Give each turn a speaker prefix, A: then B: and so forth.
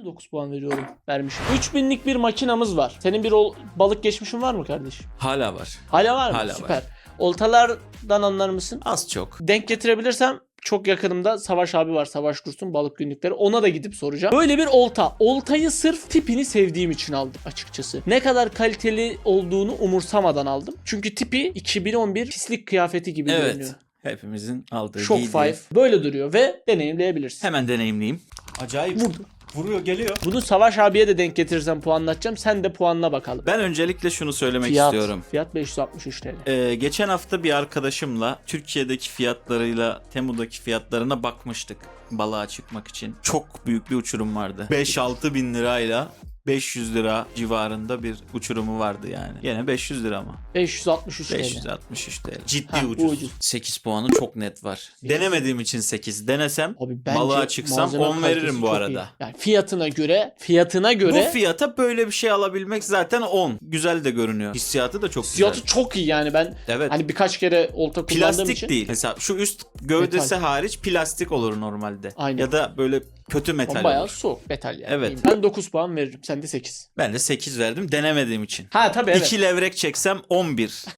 A: 9 puan veriyorum. Vermişim. 3000'lik bir makinamız var. Senin bir balık geçmişin var mı kardeşim?
B: Hala var.
A: Hala var mı?
B: Hala
A: Süper.
B: var.
A: Oltalardan anlar mısın?
B: Az çok.
A: Denk getirebilirsem çok yakınımda Savaş abi var. Savaş Dursun balık günlükleri. Ona da gidip soracağım. Böyle bir olta. Oltayı sırf tipini sevdiğim için aldım açıkçası. Ne kadar kaliteli olduğunu umursamadan aldım. Çünkü tipi 2011 pislik kıyafeti gibi görünüyor.
B: Evet. Hepimizin aldığı
A: Shock
B: giydiği.
A: 5 böyle duruyor ve deneyimleyebilirsin.
B: Hemen deneyimleyeyim.
C: Acayip.
A: Vurdu.
C: Vuruyor, geliyor.
A: Bunu Savaş abiye de denk getirirsem puanlatacağım. Sen de puanla bakalım.
B: Ben öncelikle şunu söylemek istiyorum.
A: Fiyat 563 TL.
B: Geçen hafta bir arkadaşımla Türkiye'deki fiyatlarıyla Temu'daki fiyatlarına bakmıştık balığa çıkmak için. Çok büyük bir uçurum vardı. 5-6 bin lirayla 500 lira civarında bir uçurumu vardı yani. Yine 500 lira ama.
A: 563 TL.
B: 563 TL. Ciddi
A: Ha, bu
B: ucuz.
A: ucuz.
B: 8 puanı çok net var. Denemediğim için 8. Denesem
A: Abi bence
B: balığa çıksam
A: malzeme
B: 10 veririm
A: kalitesi
B: bu
A: çok
B: arada.
A: iyi. Yani fiyatına göre
B: Bu fiyata böyle bir şey alabilmek zaten 10. Güzel de görünüyor. Hissiyatı da çok
A: fiyatı
B: güzel.
A: çok iyi yani ben
B: Evet.
A: hani birkaç kere olta kullandığım
B: Plastik
A: için.
B: değil. Mesela şu üst gövdesi
A: Metal.
B: hariç plastik olur normalde.
A: Aynen.
B: Ya da böyle kötü metal
A: Ama bayağı
B: olur.
A: soğuk metal yani.
B: Evet.
A: Ben 9 puan veririm. Sen de 8.
B: Ben de 8 verdim denemediğim için.
A: Ha tabii evet.
B: 2 levrek çeksem 11.